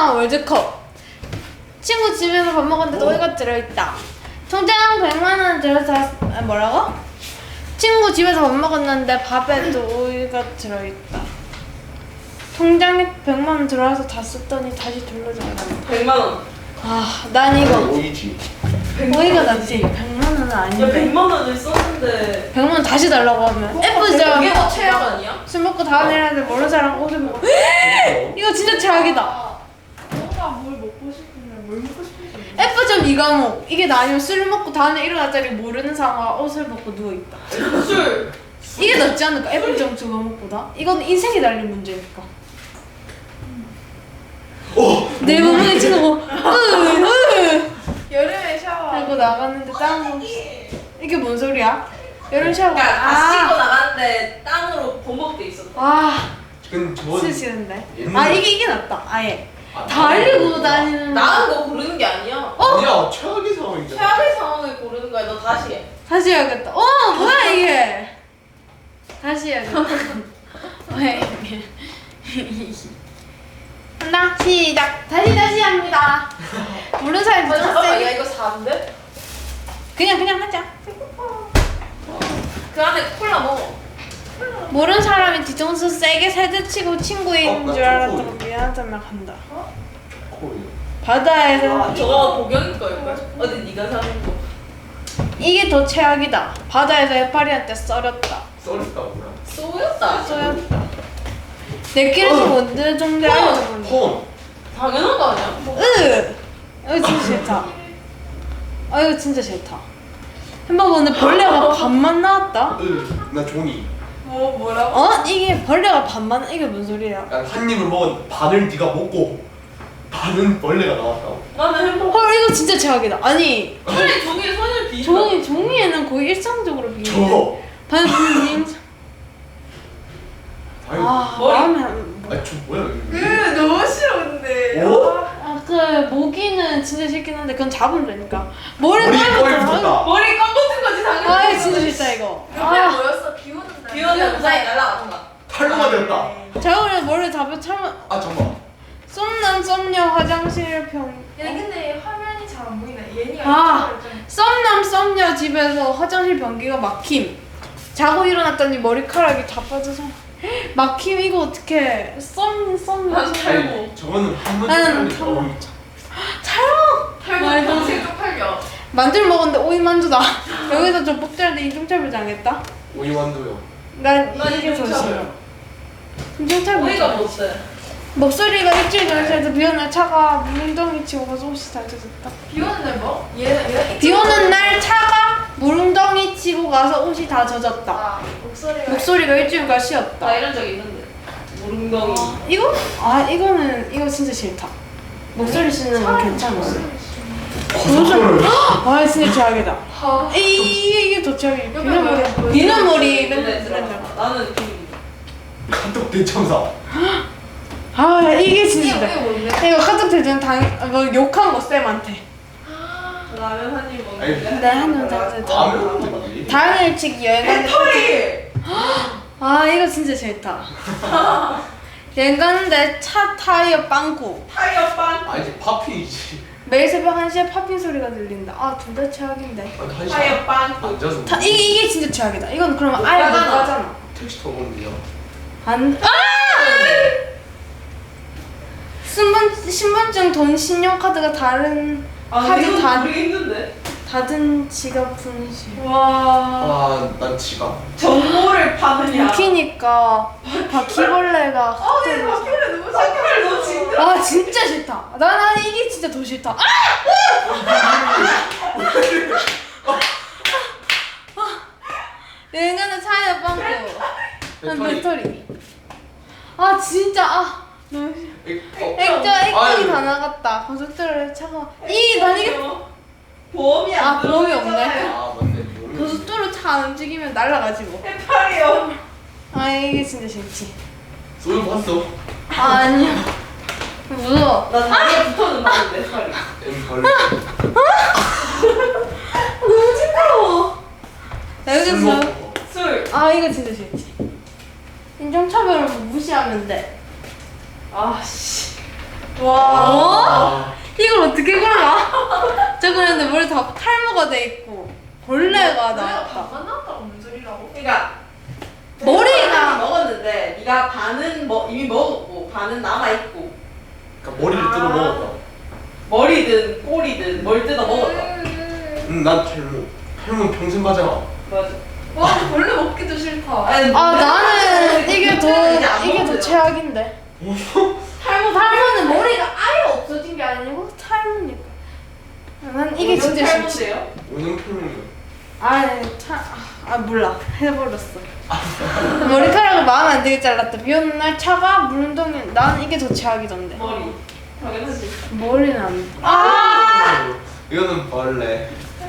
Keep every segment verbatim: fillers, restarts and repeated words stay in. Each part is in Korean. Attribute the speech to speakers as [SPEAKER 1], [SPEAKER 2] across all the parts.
[SPEAKER 1] 원 월드컵. 친구 집에서 밥 먹었는데 오이가 들어있다. 통장 백만 원 들어서 아, 뭐라고? 친구 집에서 밥 먹었는데 밥에도 오이가 들어있다. 통장에 백만 원 들어와서 다 썼더니 다시 돌려줘야 돼.
[SPEAKER 2] 백만 원.
[SPEAKER 1] 아, 난 이거
[SPEAKER 3] 오이지.
[SPEAKER 1] 오이가 낫지. 백만 원은
[SPEAKER 2] 야
[SPEAKER 1] 아닌데.
[SPEAKER 2] 백만 원을 썼는데.
[SPEAKER 1] 백만 원 다시 달라고 하면
[SPEAKER 2] 그게
[SPEAKER 1] 예쁘죠?
[SPEAKER 2] 더 최악 아니야?
[SPEAKER 1] 술 먹고 다음 일하는데 모르는 사람 옷을 먹고 이거 진짜 최악이다.
[SPEAKER 2] 뭔가 뭘 먹고 싶은데 뭘 먹고 싶은지.
[SPEAKER 1] F점 이 과목 이게 나 아니면 술 먹고 다음날 일어났자니 모르는 사람과 옷을 벗고 누워있다.
[SPEAKER 2] 술.
[SPEAKER 1] 이게 낫지 않을까? F점 두 과목보다? 이건 인생이 달린 문제니까.
[SPEAKER 3] 오.
[SPEAKER 1] 내 몸에 치는 거 으으
[SPEAKER 2] 여름에 샤워.
[SPEAKER 1] 하고 나갔는데 땀 이게 뭔 소리야? 여름 샤워
[SPEAKER 2] 그러니까 다
[SPEAKER 1] 아,
[SPEAKER 2] 씻고 나갔는데 땀으로 범벅돼 있었다.
[SPEAKER 1] 아
[SPEAKER 3] 근데 저건
[SPEAKER 1] 진짜 싫은데.
[SPEAKER 3] 옛날-
[SPEAKER 1] 아 이게 이게 낫다 아예
[SPEAKER 3] 아,
[SPEAKER 1] 다 알리고 다니는
[SPEAKER 2] 나은 거 고르는 게 아니야.
[SPEAKER 1] 어?
[SPEAKER 3] 아니야 최악의 상황이잖아.
[SPEAKER 2] 최악의 상황을 고르는 거야. 너 다시 해.
[SPEAKER 1] 다시 해야겠다. 어 뭐야 이게? 다시 해야겠다. 왜 이게? 한다 시작. 다시 다시 합니다. 모르는 사람이
[SPEAKER 2] 아, 잠깐만, 야
[SPEAKER 1] 못했어.
[SPEAKER 2] 이거 사인데?
[SPEAKER 1] 그냥 그냥 하자.
[SPEAKER 2] 그 안에 콜라 먹어.
[SPEAKER 1] 모르는 사람이 뒤통수 세게 세대치고 친구인
[SPEAKER 3] 어, 나
[SPEAKER 1] 줄 알았다고
[SPEAKER 3] 초코우유.
[SPEAKER 1] 미안하다며 간다.
[SPEAKER 3] 코일.
[SPEAKER 1] 바다에서
[SPEAKER 2] 아, 저거 복영이 걸걸? 어디 네가 사는 거?
[SPEAKER 1] 이게 더 최악이다. 바다에서 해파리한테 썰었다.
[SPEAKER 3] 썰었다 뭐야?
[SPEAKER 2] 쏘였다.
[SPEAKER 1] 쏘였다. 내끼리서 뭔데 정도 알려줬는데.
[SPEAKER 3] 폰.
[SPEAKER 2] 당연한 거 아니야?
[SPEAKER 1] 으! 이거 진짜 싫다. 아 이거 진짜 싫다. 햄버거 오늘 벌레가 반만 나왔다?
[SPEAKER 3] 으나 종이.
[SPEAKER 2] 뭐 뭐라고?
[SPEAKER 1] 어? 이게 벌레가 반만 이게 뭔 소리야?
[SPEAKER 3] 약간 한 입을 먹은 반을 네가 먹고 반은 벌레가 나왔다고.
[SPEAKER 2] 나는 햄버거.
[SPEAKER 1] 헐 이거 진짜 최악이다. 아니
[SPEAKER 2] 차라리 종이에 손을 비벼.
[SPEAKER 1] 종이 종이에는 거의 일상적으로 비밀.
[SPEAKER 3] 저.
[SPEAKER 1] 반님.
[SPEAKER 3] 아유.
[SPEAKER 1] 아
[SPEAKER 2] 머리.
[SPEAKER 1] 마음에 안.
[SPEAKER 3] 아저 뭐야 이거.
[SPEAKER 2] 으 너무 싫은데.
[SPEAKER 3] 오?
[SPEAKER 1] 아그 모기는 진짜 싫긴 한데 그건 잡으면 되니까. 머리
[SPEAKER 3] 머리
[SPEAKER 1] 깔면
[SPEAKER 3] 머리
[SPEAKER 1] 돼.
[SPEAKER 3] 붙었다.
[SPEAKER 2] 머리 껌 같은 거지 당연히.
[SPEAKER 1] 아 이거 진짜 싫다 이거.
[SPEAKER 4] 옆에
[SPEAKER 1] 아
[SPEAKER 4] 뭐였어? 비 오는 날.
[SPEAKER 2] 비 오는 무사히 날라가던가.
[SPEAKER 3] 탈모가 되었다.
[SPEAKER 1] 제가 그냥 머리 잡아 차면
[SPEAKER 3] 아 잠깐.
[SPEAKER 1] 썸남 썸녀 화장실 평.
[SPEAKER 4] 야 근데 화면이 잘 안 보이네. 얘니가
[SPEAKER 1] 아.
[SPEAKER 4] 이쪽으로 좀-
[SPEAKER 1] 썸남 썸녀 집에서 화장실 변기가 막힘. 자고 일어났더니 머리카락이 자빠져서 막힘. 이거 어떻게 썸 썸녀
[SPEAKER 2] 난 탈모.
[SPEAKER 3] 아니, 저거는 한번
[SPEAKER 1] 나는
[SPEAKER 3] 털리니까.
[SPEAKER 1] 탈모.
[SPEAKER 3] 어,
[SPEAKER 1] 촬영.
[SPEAKER 2] 탈모
[SPEAKER 1] 말도 안
[SPEAKER 2] 평생 쪽팔려.
[SPEAKER 1] 만두를 먹었는데 오이 만두다. 여기서 좀 뽑자는데 인종차별 당했다.
[SPEAKER 3] 오이완도요.
[SPEAKER 1] 난
[SPEAKER 2] 난
[SPEAKER 1] 이게 더
[SPEAKER 2] 인종차별.
[SPEAKER 1] 싫어. 인종차별.
[SPEAKER 2] 오이가 못돼.
[SPEAKER 1] 목소리가 일주일 전에도 비 오는 날 차가 물웅덩이 치고 가서 옷이 다 젖었다.
[SPEAKER 4] 비 오는 날 뭐? 얘는 얘는
[SPEAKER 1] 비 오는 날 차가 물웅덩이 치고 가서 옷이 다 젖었다.
[SPEAKER 4] 아 목소리가
[SPEAKER 1] 목소리가 일주일간 쉬었다.
[SPEAKER 2] 나 이런 적 있는데. 무릉덩이.
[SPEAKER 1] 이거? 아 이거는 이거 진짜 싫다. 목소리 쓰는 건 괜찮아.
[SPEAKER 3] 고속도로를.
[SPEAKER 1] 아 진짜 최악이다.
[SPEAKER 4] 아,
[SPEAKER 1] 이 이게 이게 더 최악이야.
[SPEAKER 4] 옆에
[SPEAKER 1] 비는 머리,
[SPEAKER 4] 뭐야?
[SPEAKER 1] 비는 머리
[SPEAKER 2] 눈에
[SPEAKER 1] 맨날
[SPEAKER 2] 들어가.
[SPEAKER 1] 맨날.
[SPEAKER 2] 나는 비.
[SPEAKER 3] 카톡 대참사.
[SPEAKER 1] 아 이게 진짜
[SPEAKER 4] 이게
[SPEAKER 1] 싫다.
[SPEAKER 4] 이게 뭔데?
[SPEAKER 1] 이거 카톡 대전 당뭐 욕한 거 쌤한테.
[SPEAKER 2] 라면 한 입
[SPEAKER 3] 아니,
[SPEAKER 2] 먹는데.
[SPEAKER 1] 네, 한번 더.
[SPEAKER 3] 다음에 되지.
[SPEAKER 1] 당일치기 여행 가는데
[SPEAKER 2] 털이.
[SPEAKER 1] 아 이거 진짜 싫다. 여행 가는데 차 타이어 빵꾸.
[SPEAKER 2] 타이어 빵.
[SPEAKER 3] 아 이제 파핑이지.
[SPEAKER 1] 매일 새벽 한 시에 팝핀 소리가 들린다. 아 둘 다 최악인데.
[SPEAKER 3] 아, 한
[SPEAKER 2] 타이어
[SPEAKER 3] 시간
[SPEAKER 2] 빵.
[SPEAKER 3] 앉아서
[SPEAKER 1] 타, 이게 이게 진짜 최악이다. 이건 그러면 아예 못
[SPEAKER 2] 가잖아.
[SPEAKER 1] 가잖아.
[SPEAKER 3] 택시 타고 오는데요.
[SPEAKER 1] 안. 아! 신분 신분증, 돈, 신용카드가 다른
[SPEAKER 2] 아
[SPEAKER 1] 카드
[SPEAKER 2] 이거
[SPEAKER 1] 다
[SPEAKER 2] 모르기 힘든데.
[SPEAKER 1] 닫은 지갑 분실.
[SPEAKER 2] 와.
[SPEAKER 3] 아난 지갑.
[SPEAKER 2] 정보를 파느냐.
[SPEAKER 1] 웃기니까 바퀴벌레가.
[SPEAKER 2] 아, 내 바퀴벌레 너무 착해. 너 진짜.
[SPEAKER 1] 아 진짜 싫다. 난 아니 이게 진짜 더 싫다. 아! 여행 가는 차에 빵꾸. 난
[SPEAKER 3] 배터리.
[SPEAKER 1] 배터리. 아 진짜 아 너무 싫어.
[SPEAKER 3] 액- 어.
[SPEAKER 1] 액자 액정이
[SPEAKER 3] 아유.
[SPEAKER 1] 다 나갔다. 고속도로에 차가 이난 이게
[SPEAKER 2] 보험이 안
[SPEAKER 1] 아, 보험이 없네.
[SPEAKER 2] 들어있잖아요.
[SPEAKER 3] 아 맞네. 모르겠네.
[SPEAKER 1] 고속도로 차 안 움직이면 날아가지 뭐.
[SPEAKER 2] 해파리요.
[SPEAKER 1] 아 이게 진짜 싫지.
[SPEAKER 3] 쏠 봤어.
[SPEAKER 1] 아 아니야. 무서워.
[SPEAKER 2] 나 다리에 붙어는 봤는데 해파리.
[SPEAKER 3] 엠 벌.
[SPEAKER 1] 너무 징그러워. 나
[SPEAKER 3] 술
[SPEAKER 1] 여기서
[SPEAKER 3] 먹고.
[SPEAKER 2] 술.
[SPEAKER 1] 아 이거 진짜 싫지. 인종차별을 무시하면 돼.
[SPEAKER 2] 아씨.
[SPEAKER 1] 와.
[SPEAKER 3] 아,
[SPEAKER 1] 이걸 어떻게 골라? 저 그런데 머리 다 탈모가 돼 있고 벌레가
[SPEAKER 4] 내가
[SPEAKER 1] 나왔다.
[SPEAKER 4] 반만 나왔다고 뭔 소리라고?
[SPEAKER 2] 그러니까
[SPEAKER 1] 머리가-
[SPEAKER 2] 먹었는데 네가 반은 뭐 이미 먹었고 반은 남아 있고
[SPEAKER 3] 그러니까 머리를 뜯어 먹었다.
[SPEAKER 2] 머리든 꼬리든 뭘 뜯어 먹었다.
[SPEAKER 3] 음, 난 탈모. 탈모는 평생 가잖아.
[SPEAKER 2] 맞아.
[SPEAKER 4] 와 벌레 먹기도 싫다.
[SPEAKER 2] 아니,
[SPEAKER 1] 아 나는 이게 더
[SPEAKER 2] 이제 안
[SPEAKER 1] 이게 더
[SPEAKER 2] 먹어요.
[SPEAKER 1] 최악인데. 탈모 탈모는 머리가 아예 없어진 게 아니고 탈모니까. 난 이게 진짜 싫지.
[SPEAKER 2] 탈모인데요?
[SPEAKER 3] 오늘 탈모는
[SPEAKER 1] 아니 차, 아 몰라 해버렸어. 머리카락을 마음에 안 들게 잘랐다. 비 오는 날 차가 물운동이 난 이게 더 최악이던데.
[SPEAKER 2] 머리. 당연하지.
[SPEAKER 1] 머리는 안 돼.
[SPEAKER 3] 아! 이거는 벌레.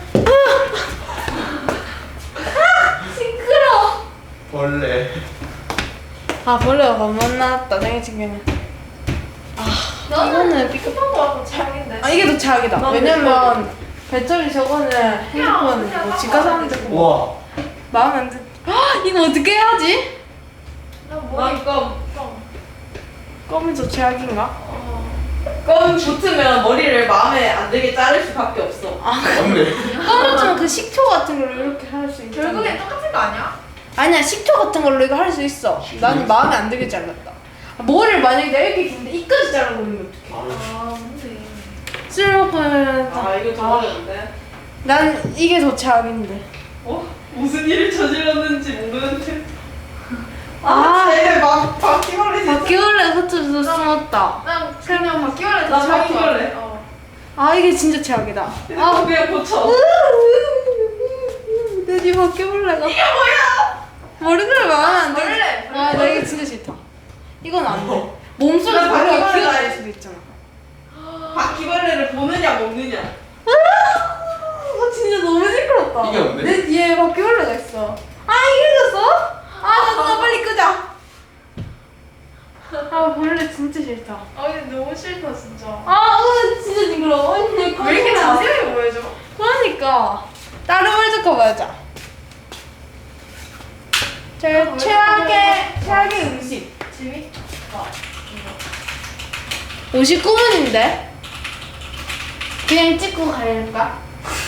[SPEAKER 1] 시끄러.
[SPEAKER 3] 벌레.
[SPEAKER 1] 아 벌레가 반만 나왔다. 생일 친구는.
[SPEAKER 4] 나는
[SPEAKER 1] 이거는 삐끗.
[SPEAKER 4] 삐끗한 거 같고 최악인데.
[SPEAKER 1] 아 이게 더 최악이다.
[SPEAKER 2] 난
[SPEAKER 1] 왜냐면 배터리 저거는 핸드폰
[SPEAKER 4] 그냥
[SPEAKER 1] 뭐 집가 사는데 뭐
[SPEAKER 3] 와.
[SPEAKER 1] 마음에 안 들. 헉, 이거 어떻게 해야지?
[SPEAKER 4] 나 머리
[SPEAKER 2] 난 껌.
[SPEAKER 4] 껌.
[SPEAKER 1] 껌이 더 최악인가?
[SPEAKER 4] 어.
[SPEAKER 2] 껌 붙으면 머리를 마음에 안 들게 자를 수밖에 없어.
[SPEAKER 3] 맞네.
[SPEAKER 1] 껌은 좀 그 식초 같은 걸로 이렇게 할 수 있잖아.
[SPEAKER 4] 결국엔 똑같은 거 아니야?
[SPEAKER 1] 아니야 식초 같은 걸로 이거 할 수 있어. 난 마음에 안 들게 잘랐다. 아, 머리를 만약에 내가 이렇게 긴데 이까지 잘라버리면 어떡해?
[SPEAKER 3] 바로.
[SPEAKER 4] 아 뭔데?
[SPEAKER 1] 술 먹으면
[SPEAKER 2] 아 이거 더 어려운데.
[SPEAKER 1] 난 이게 더 최악인데.
[SPEAKER 2] 어? 무슨 일을 저질렀는지 모르는데.
[SPEAKER 1] 아.
[SPEAKER 2] 아, 쟤막 바퀴벌레 진짜.
[SPEAKER 1] 바퀴벌레 흩어져서 숨었다.
[SPEAKER 4] 난 그냥 바퀴벌레
[SPEAKER 2] 나
[SPEAKER 4] 더 최악인 거
[SPEAKER 2] 바퀴벌레.
[SPEAKER 4] 같아. 어.
[SPEAKER 1] 아 이게 진짜 최악이다.
[SPEAKER 2] 아 그냥 고쳐.
[SPEAKER 1] 내뒤 바퀴벌레가. 이게 뭐야? 머리카락 마음에 안 들게.
[SPEAKER 4] 벌레.
[SPEAKER 1] 아, 나 이게 진짜 싫다. 이건 안 돼. 몸속에
[SPEAKER 2] 나
[SPEAKER 1] 머리가
[SPEAKER 2] 바퀴벌레
[SPEAKER 1] 기어다닐
[SPEAKER 2] 아니야.
[SPEAKER 1] 수도 있잖아.
[SPEAKER 2] 바퀴벌레를 보느냐 먹느냐.
[SPEAKER 1] 아, 진짜 너무 시끄럽다.
[SPEAKER 3] 이겼는데?
[SPEAKER 1] 내 뒤에 바퀴벌레가 있어. 아, 이겨졌어? 아, 나 빨리 끄자. 아, 벌레 진짜 싫다.
[SPEAKER 4] 아 근데 너무 싫다 진짜.
[SPEAKER 1] 아, 으, 진짜 징그러워. 언니,
[SPEAKER 4] 왜 이렇게 자세하게 보여줘?
[SPEAKER 1] 그러니까. 다른 월드컵 하자. 제
[SPEAKER 4] 아,
[SPEAKER 1] 최악의, 최악의 음식.
[SPEAKER 4] 재밌다.
[SPEAKER 1] 오십구 분인데? 그냥 찍고 갈까?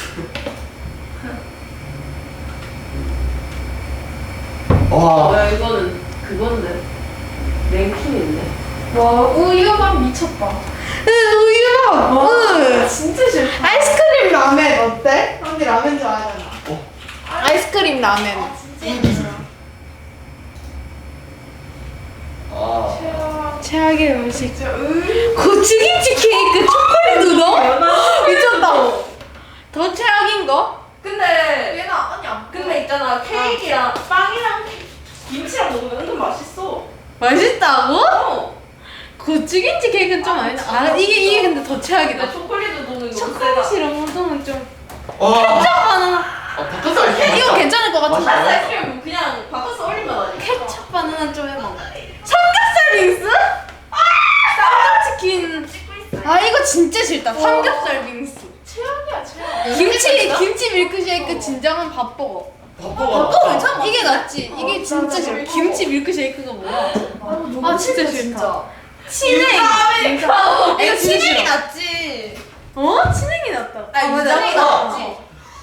[SPEAKER 3] 와.
[SPEAKER 2] 야 이거는 그건데. 랭킹인데.
[SPEAKER 4] 와 우유만 미쳤다.
[SPEAKER 1] 으, 우유밥! 으.
[SPEAKER 4] 진짜 싫다.
[SPEAKER 1] 아이스크림 라멘 어때? 언니 라멘 좋아하잖아.
[SPEAKER 3] 어.
[SPEAKER 1] 아이스크림 라멘.
[SPEAKER 4] 아 진짜 싫다.
[SPEAKER 3] 아.
[SPEAKER 4] 최악.
[SPEAKER 1] 최악의 음식.
[SPEAKER 4] 진짜 으.
[SPEAKER 1] 고추김치 케이크 초콜릿 우동? 미쳤다. 더 최악인 거?
[SPEAKER 2] 근데
[SPEAKER 4] 얘는 언니 안.
[SPEAKER 2] 근데 있잖아 케이크랑 빵이랑 김치랑 먹으면 은근 맛있어.
[SPEAKER 1] 맛있다고?
[SPEAKER 2] 어.
[SPEAKER 1] 고추김치 케이크는 좀 아니다. 아 이게 이게 근데 더 최악이다.
[SPEAKER 2] 근데 초콜릿 우동은 너무 세다.
[SPEAKER 1] 초콜릿이랑 우동은 좀.
[SPEAKER 3] 와.
[SPEAKER 1] 케첩 바나나.
[SPEAKER 3] 아, 바깥 아이스크림
[SPEAKER 1] 이거
[SPEAKER 3] 맛있다.
[SPEAKER 1] 괜찮을 것 같은데.
[SPEAKER 3] 맛있다.
[SPEAKER 2] 아이스크림 그냥 바꿔서 올리면 아니야.
[SPEAKER 1] 케첩 바나나 좀 해먹어. 삼겹살 빙수? 아! 쌈장치킨.
[SPEAKER 4] 찍고 있어.
[SPEAKER 1] 아 이거 진짜 싫다. 삼겹살 빙수.
[SPEAKER 4] 최악이야 최악.
[SPEAKER 1] 김치 김치 밀크쉐이크 진정한 밥버거.
[SPEAKER 3] 바꿔가.
[SPEAKER 1] 밥버거 괜찮아? 이게 낫지.
[SPEAKER 4] 어,
[SPEAKER 1] 이게 진짜
[SPEAKER 4] 맞아,
[SPEAKER 1] 싫어.
[SPEAKER 4] 맞아.
[SPEAKER 1] 김치 밀크쉐이크가 뭐야?
[SPEAKER 4] 너무
[SPEAKER 1] 아, 진짜
[SPEAKER 4] 싫다,
[SPEAKER 1] 싫다. 치냉.
[SPEAKER 2] 아메리카노.
[SPEAKER 1] 이거 치냉이
[SPEAKER 2] 낫지.
[SPEAKER 1] 어? 치냉이 낫다.
[SPEAKER 2] 아 유정이 낫지.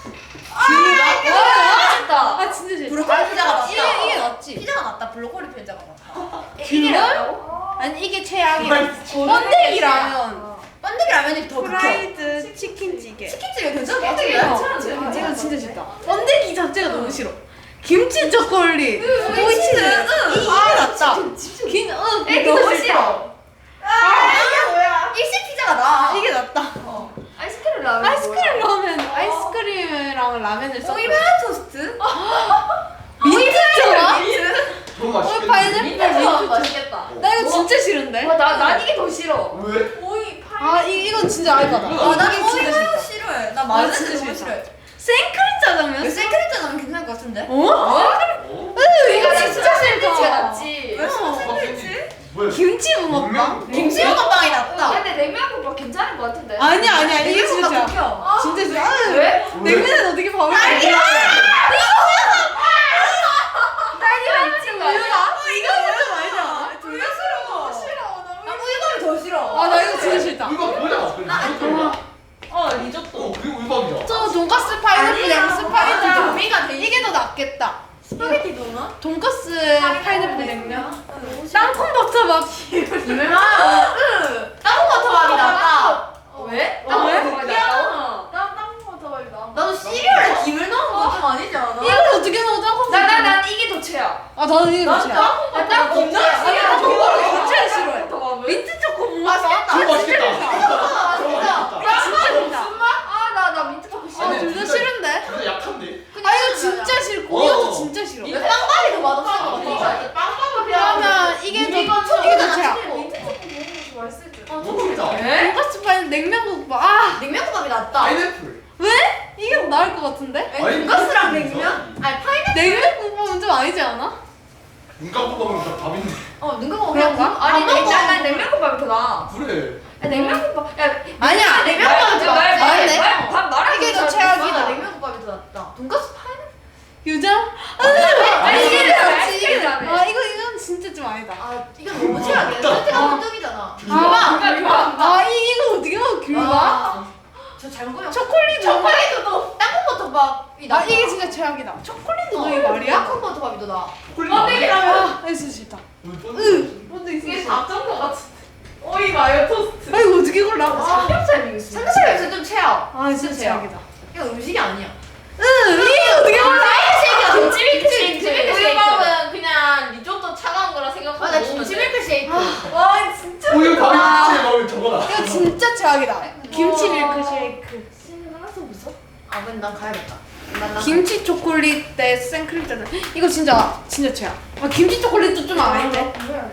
[SPEAKER 1] 아, 아 진짜 싫다.
[SPEAKER 2] 브로콜리 피자가 낫다.
[SPEAKER 1] 이게 이게 낫지.
[SPEAKER 2] 피자가 낫다. 블로콜리 피자가 낫다.
[SPEAKER 1] 그걸? 아니 이게 최악이야. 번데기 라면.
[SPEAKER 2] 번데기 라면이 더 극혐.
[SPEAKER 1] 프라이드 치킨찌개.
[SPEAKER 2] 치킨집에 괜찮아.
[SPEAKER 4] 번데기
[SPEAKER 2] 번데기
[SPEAKER 4] 괜찮아.
[SPEAKER 1] 아, 이거 진짜 싫다. 번데기 자체가 너무 싫어. 김치 초콜릿.
[SPEAKER 2] 김치는, 응.
[SPEAKER 1] 이게 낫다. 긴, 어,
[SPEAKER 4] 에,
[SPEAKER 1] 너무
[SPEAKER 4] 그거
[SPEAKER 1] 싫다.
[SPEAKER 2] 아 이게 뭐야? 일식 피자가 나.
[SPEAKER 1] 이게 낫다.
[SPEAKER 4] 아이스크림 라면.
[SPEAKER 1] 아이스크림 라면, 아이스크림이랑 라면을 섞어.
[SPEAKER 2] 오이바 토스트?
[SPEAKER 1] 민트 좋아?
[SPEAKER 3] 너무
[SPEAKER 1] 어,
[SPEAKER 3] 맛있겠네.
[SPEAKER 1] 파인애플
[SPEAKER 2] 민트
[SPEAKER 1] 민트
[SPEAKER 2] 좋아.
[SPEAKER 1] 좋아.
[SPEAKER 2] 맛있겠다.
[SPEAKER 1] 나 이거 진짜 싫은데?
[SPEAKER 4] 나난 이게 더 싫어.
[SPEAKER 3] 왜?
[SPEAKER 4] 오이 파이.
[SPEAKER 1] 아, 이, 이건 진짜 알바다.
[SPEAKER 3] 아,
[SPEAKER 2] 난
[SPEAKER 1] 이게 진짜 싫다.
[SPEAKER 2] 싫어해. 나
[SPEAKER 1] 아, 진짜
[SPEAKER 2] 너무
[SPEAKER 1] 싫다.
[SPEAKER 2] 싫어해.
[SPEAKER 1] 생크림 짜장면?
[SPEAKER 2] 생크림 짜장면 괜찮을 것 같은데?
[SPEAKER 1] 어?
[SPEAKER 3] 어?
[SPEAKER 1] 으, 이거
[SPEAKER 4] 나
[SPEAKER 1] 진짜
[SPEAKER 4] 진짜
[SPEAKER 1] 싫다.
[SPEAKER 4] 샌드위치가 낫지.
[SPEAKER 2] 왜
[SPEAKER 1] 어.
[SPEAKER 2] 샌드위치?
[SPEAKER 3] 왜?
[SPEAKER 1] 김치 붕어빵?
[SPEAKER 3] 냉면?
[SPEAKER 2] 김치볶음빵이 낫다.
[SPEAKER 4] 근데 냉면국밥 괜찮은 것 같은데.
[SPEAKER 1] 아니야, 아니야. 이게 진짜
[SPEAKER 2] 냉면보다
[SPEAKER 1] 싫어.
[SPEAKER 2] 극혐.
[SPEAKER 1] 진짜 싫어. 아유,
[SPEAKER 4] 왜?
[SPEAKER 1] 냉면은 어떻게 밥을 먹어?
[SPEAKER 4] 딸기가 미친 거 아니야?
[SPEAKER 1] 이거 진짜 말이야.
[SPEAKER 2] 둘 다 싫어.
[SPEAKER 4] 싫어. 너무
[SPEAKER 2] 나 우유밥이 더 싫어.
[SPEAKER 1] 아, 나 이거 진짜 돈가스 파인애플 냉면. 땅콩 버터밥.
[SPEAKER 4] 아, 땅콩 버터밥이 낫다. 왜?
[SPEAKER 1] 아, 왜?
[SPEAKER 4] 땅콩 버터밥이 낫다.
[SPEAKER 1] 난 땅콩 버터밥이 나.
[SPEAKER 4] 나도 시리얼에 김을 넣은 거 좀 아니지 않아?
[SPEAKER 1] 이걸 어떻게 넣어 땅콩?
[SPEAKER 4] 나나난 이게 더 최야.
[SPEAKER 1] 아 나는 이게
[SPEAKER 4] 난
[SPEAKER 1] 좋지.
[SPEAKER 4] 땅콩
[SPEAKER 1] 땅콩
[SPEAKER 4] 버터밥.
[SPEAKER 1] 진짜
[SPEAKER 4] 아니,
[SPEAKER 1] 싫어.
[SPEAKER 4] 나 저거를
[SPEAKER 1] 진짜
[SPEAKER 4] 진짜
[SPEAKER 1] 싫어해.
[SPEAKER 4] 버터밥을.
[SPEAKER 1] 민트 초코 못
[SPEAKER 4] 아,
[SPEAKER 1] 먹어.
[SPEAKER 4] 맞다.
[SPEAKER 3] 그거 맛있겠다.
[SPEAKER 4] 아,
[SPEAKER 3] 그거
[SPEAKER 4] 진짜.
[SPEAKER 3] 맛있겠다.
[SPEAKER 1] 진짜 싫다.
[SPEAKER 4] 아, 나, 나 민트 초코 싫어.
[SPEAKER 1] 아, 둘 다 싫은데?
[SPEAKER 3] 진짜 약한데?
[SPEAKER 1] 아 이거 진짜 싫고
[SPEAKER 3] 어.
[SPEAKER 1] 이것도 진짜 싫어.
[SPEAKER 4] 이거 빵밥이 더 맛없을 것 같아. 빵밥을
[SPEAKER 1] 그러면 이게 더 이게 더 최악.
[SPEAKER 4] 민트 초코 먹으면 좀 맛있을 듯.
[SPEAKER 3] 너무 맛있다.
[SPEAKER 1] 돈가스 파인 냉면국밥. 아
[SPEAKER 4] 냉면국밥이 낫다.
[SPEAKER 3] 파인애플.
[SPEAKER 1] 왜? 이게 더 나을 것 같은데?
[SPEAKER 4] 돈가스랑 냉면? 아니 파인애플.
[SPEAKER 1] 냉면국밥은 좀 아니지 않아?
[SPEAKER 3] 눈 감고 먹으면 다 밥인데.
[SPEAKER 4] 어 눈 감고 그냥
[SPEAKER 1] 그런가?
[SPEAKER 4] 국- 아니
[SPEAKER 1] 밥 먹어.
[SPEAKER 4] 냉면 난 냉면국밥이 더 나아.
[SPEAKER 3] 그래.
[SPEAKER 4] 야, 냉면국밥. 야
[SPEAKER 1] 아니야.
[SPEAKER 4] 냉면국밥이 더
[SPEAKER 1] 말-
[SPEAKER 4] 낫지.
[SPEAKER 1] 말네.
[SPEAKER 4] 말- 밥 말하기
[SPEAKER 1] 이게 더
[SPEAKER 4] 전에
[SPEAKER 1] 최악이다.
[SPEAKER 4] 냉면국밥이 더 낫다. 돈가스 파인애플.
[SPEAKER 1] 유자?
[SPEAKER 4] 아니 이게 더
[SPEAKER 1] 낫지,
[SPEAKER 4] 낫지.
[SPEAKER 1] 이게
[SPEAKER 4] 이게
[SPEAKER 1] 아
[SPEAKER 4] 낫지.
[SPEAKER 1] 이거 이건 진짜 좀 아니다.
[SPEAKER 4] 아 이건 너무 최악이야.
[SPEAKER 3] 맞다.
[SPEAKER 4] 선택하면 떡이잖아.
[SPEAKER 1] 아,
[SPEAKER 4] 귤밥.
[SPEAKER 1] 아 이- 이거 어떻게 먹어 귤밥?
[SPEAKER 4] 아, 저 잘못 보면
[SPEAKER 1] 초콜릿
[SPEAKER 4] 초콜릿도 땅콩 버터밥이 나.
[SPEAKER 1] 아 이게 진짜 최악이다. 초콜릿 너 이게 말이야?
[SPEAKER 4] 땅콩 버터밥이 더 나.
[SPEAKER 1] 아 이거 진짜 싫다.
[SPEAKER 3] 으.
[SPEAKER 1] 뭔데
[SPEAKER 2] 이게
[SPEAKER 1] 있어?
[SPEAKER 2] 잡전거 같은데. 오이 마요 토스트.
[SPEAKER 1] 아 이거 어떻게 골라?
[SPEAKER 4] 삼겹살 빙수. 삼겹살 빙수 좀 최악.
[SPEAKER 1] 아 진짜 최악이다.
[SPEAKER 4] 이거 음식이 아니야.
[SPEAKER 1] 응 이게 어떻게 골라?
[SPEAKER 4] 쉐이크야. 김치 밀크쉐이크.
[SPEAKER 2] 우유밥은 그냥 리조또 차가운 거라 생각하고
[SPEAKER 4] 맞아
[SPEAKER 2] 먹으면
[SPEAKER 4] 김치
[SPEAKER 2] 돼.
[SPEAKER 4] 밀크쉐이크.
[SPEAKER 2] 와 진짜.
[SPEAKER 3] 우유 밥이
[SPEAKER 1] 아.
[SPEAKER 3] 김치에 먹으면 저거다.
[SPEAKER 1] 이거 진짜 최악이다. 김치
[SPEAKER 2] 우와.
[SPEAKER 1] 밀크쉐이크.
[SPEAKER 4] 하나도 없어? 아 그럼 난 가야겠다. 난, 난
[SPEAKER 1] 김치 초콜릿 대 생크림 때 이거 진짜 진짜 최악. 아 김치 초콜릿도 좀 아닌데.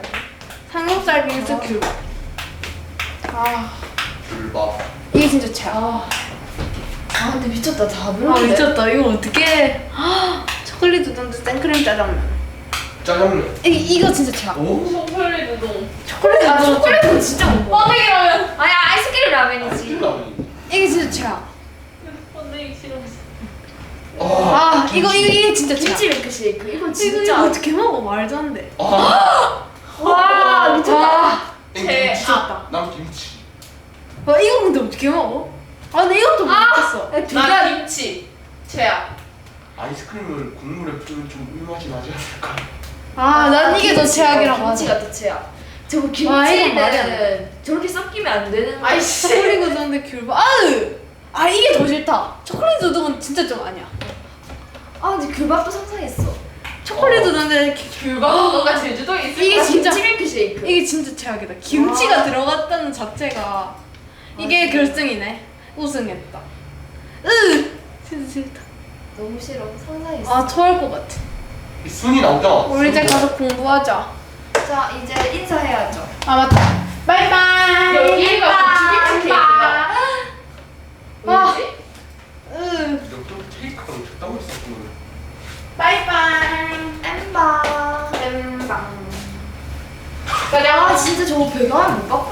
[SPEAKER 1] 삼겹살 빙수 귤밥. 아
[SPEAKER 3] 귤밥.
[SPEAKER 1] 이게 진짜 최악.
[SPEAKER 4] 아, 아 근데 미쳤다 다
[SPEAKER 1] 아
[SPEAKER 4] 별로인데.
[SPEAKER 1] 미쳤다. 이거 어떻게? 초콜릿 우동도 생크림 짜장면.
[SPEAKER 3] 짜장면.
[SPEAKER 1] 이 이거 진짜 최악.
[SPEAKER 3] 오?
[SPEAKER 2] 초콜릿 우동.
[SPEAKER 1] 초콜릿
[SPEAKER 4] 아
[SPEAKER 1] 우동
[SPEAKER 4] 초콜릿은 진짜 못 먹어.
[SPEAKER 2] 번데기라면.
[SPEAKER 4] 아니 아이스크림 라면이지.
[SPEAKER 3] 라면이.
[SPEAKER 1] 이게 진짜 최악.
[SPEAKER 2] 번데기 싫어.
[SPEAKER 1] 아 이거 이거 이게 진짜 최악.
[SPEAKER 4] 김치 밀크쉐이크 이건
[SPEAKER 1] 이거
[SPEAKER 4] 진짜.
[SPEAKER 1] 이거 어떻게 먹어? 말도 안 돼.
[SPEAKER 3] 아.
[SPEAKER 4] 와 미쳤다.
[SPEAKER 3] 땡
[SPEAKER 2] 제-
[SPEAKER 3] 김치.
[SPEAKER 1] 아.
[SPEAKER 3] 난 김치.
[SPEAKER 1] 와 이거 근데 어떻게 먹어? 아 근데 이것도 못 먹겠어.
[SPEAKER 2] 나 김치. 최악.
[SPEAKER 3] 아이스크림을 국물에 뿌리면 좀 물맛이 나지 않을까?
[SPEAKER 1] 아 난 이게 더
[SPEAKER 4] 김치,
[SPEAKER 1] 최악이라고
[SPEAKER 4] 어,
[SPEAKER 1] 하지.
[SPEAKER 4] 김치가 더 최악. 저거
[SPEAKER 1] 아, 이건 말이 안
[SPEAKER 4] 김치는 저렇게 섞이면 안 되는.
[SPEAKER 2] 아이씨.
[SPEAKER 1] 초콜릿 우동인데 귤밥. 아으! 아 이게 더 싫다. 초콜릿 우동은 진짜 좀 아니야.
[SPEAKER 4] 아 근데 귤밥도 상상했어.
[SPEAKER 1] 초콜릿 우동인데 기-
[SPEAKER 2] 귤밥 뭔가 제주도에 있을
[SPEAKER 1] 이게
[SPEAKER 2] 것
[SPEAKER 1] 진짜-
[SPEAKER 4] 김치 밀크쉐이크.
[SPEAKER 1] 이게 진짜 최악이다. 김치가 들어갔다는 자체가 이게 결승이네. 우승했다. 으! 진짜 싫다.
[SPEAKER 4] 너무 싫어. 상상했어.
[SPEAKER 1] 아 토할 것 같아.
[SPEAKER 3] 이 순이 나오잖아.
[SPEAKER 1] 우리 이제 가서 공부하자.
[SPEAKER 4] 자 이제 인사해야죠.
[SPEAKER 1] 아 맞다. 바이바이.
[SPEAKER 2] 여기가 김치 케이크야.
[SPEAKER 1] 아.
[SPEAKER 2] 왜지?
[SPEAKER 1] 으.
[SPEAKER 3] 또 케이크가 적당히 있었구나.
[SPEAKER 1] 바이바이.
[SPEAKER 4] 엠바.
[SPEAKER 1] 엠방.
[SPEAKER 4] 아 진짜 저거 배경화면 못 바꿔.